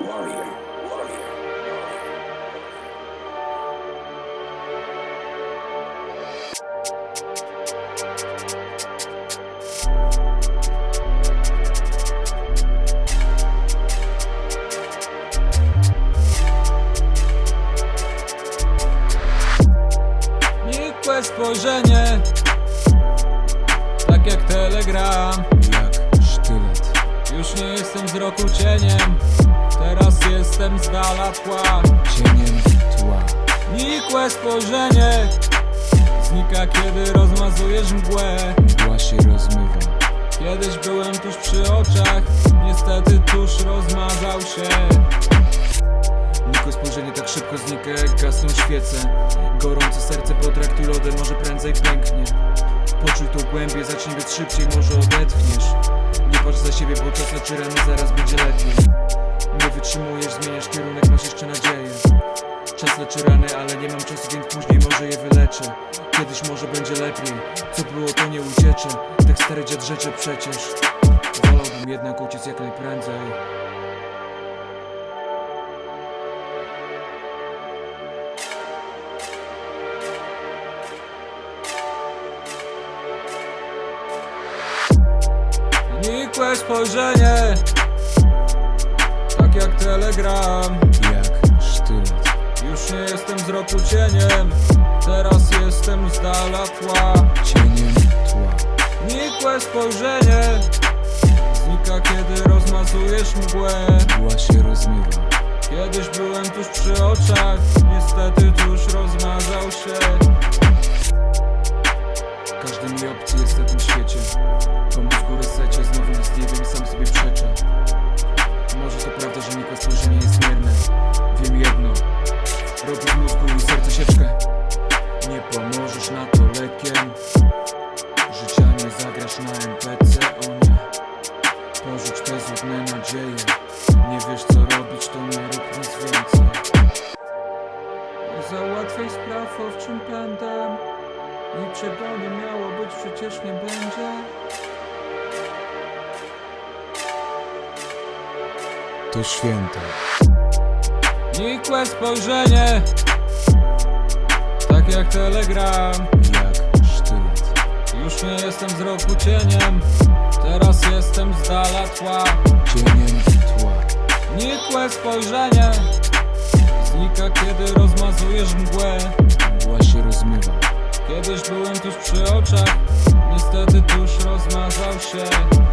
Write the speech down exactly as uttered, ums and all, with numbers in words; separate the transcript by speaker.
Speaker 1: warrior, warrior.
Speaker 2: Nikłe spojrzenie, tak jak telegram,
Speaker 3: jak sztylet.
Speaker 2: już nie jestem z roku cieniem, teraz jestem z dala tła.
Speaker 3: Cieniem tła.
Speaker 2: Nikłe spojrzenie znika, kiedy rozmazujesz mgłę.
Speaker 3: Mgła się rozmywa.
Speaker 2: Kiedyś byłem tuż przy oczach, niestety tuż rozmazał się.
Speaker 3: Nikłe spojrzenie tak szybko znika, jak gasną świece. Gorące serce potraktuj lodem, może prędzej pęknie. Poczuj to głębie, zacznij być szybciej, może odetchniesz. Nie patrz za siebie, bo czas leczy rany, zaraz będzie lepiej. Nie wytrzymujesz, zmieniasz kierunek, masz jeszcze nadzieję. Czas leczy rany, ale nie mam czasu, więc później może je wyleczę. Kiedyś może będzie lepiej, co było to nie uciecze. Tak stary dziad rzeczy przecież. Wolałbym jednak uciec jak najprędzej.
Speaker 2: Nikłe spojrzenie, tak jak telegram,
Speaker 3: Jak sztylet.
Speaker 2: już nie jestem z roku cieniem, teraz jestem z dala tła.
Speaker 3: Cieniem tła.
Speaker 2: Nikłe spojrzenie znika, kiedy rozmazujesz mgłę.
Speaker 3: Mgła się rozmywa.
Speaker 2: Kiedyś byłem tuż przy oczach, niestety tuż rozmazał się.
Speaker 3: Każdy mi obcy jest na tym świecie. Po mózgu resecie, znowu nic nie wiem, sam sobie przeczę. Może to prawda, że nikłe spojrzenie jest mierne. Wiem jedno, robi w mózgu i serce sieczkę. Nie pomożesz na to lekiem. Życia nie zagrasz na en pe ce, o nie. Porzuć te złudne nadzieje. Nie wiesz co robić, to nie rób nic więcej.
Speaker 2: Nie załatwiaj spraw owczym pędem, niczego nie miało być, przecież nie będzie.
Speaker 3: To święte.
Speaker 2: Nikłe spojrzenie, tak jak telegram,
Speaker 3: Jak sztylet.
Speaker 2: już nie jestem z roku cieniem, teraz jestem z dala tła.
Speaker 3: Cieniem tła.
Speaker 2: Nikłe spojrzenie znika, kiedy rozmazujesz mgłę.
Speaker 3: Mgła się rozmywa.
Speaker 2: Kiedyś byłem tuż przy oczach, niestety tuż rozmazał się.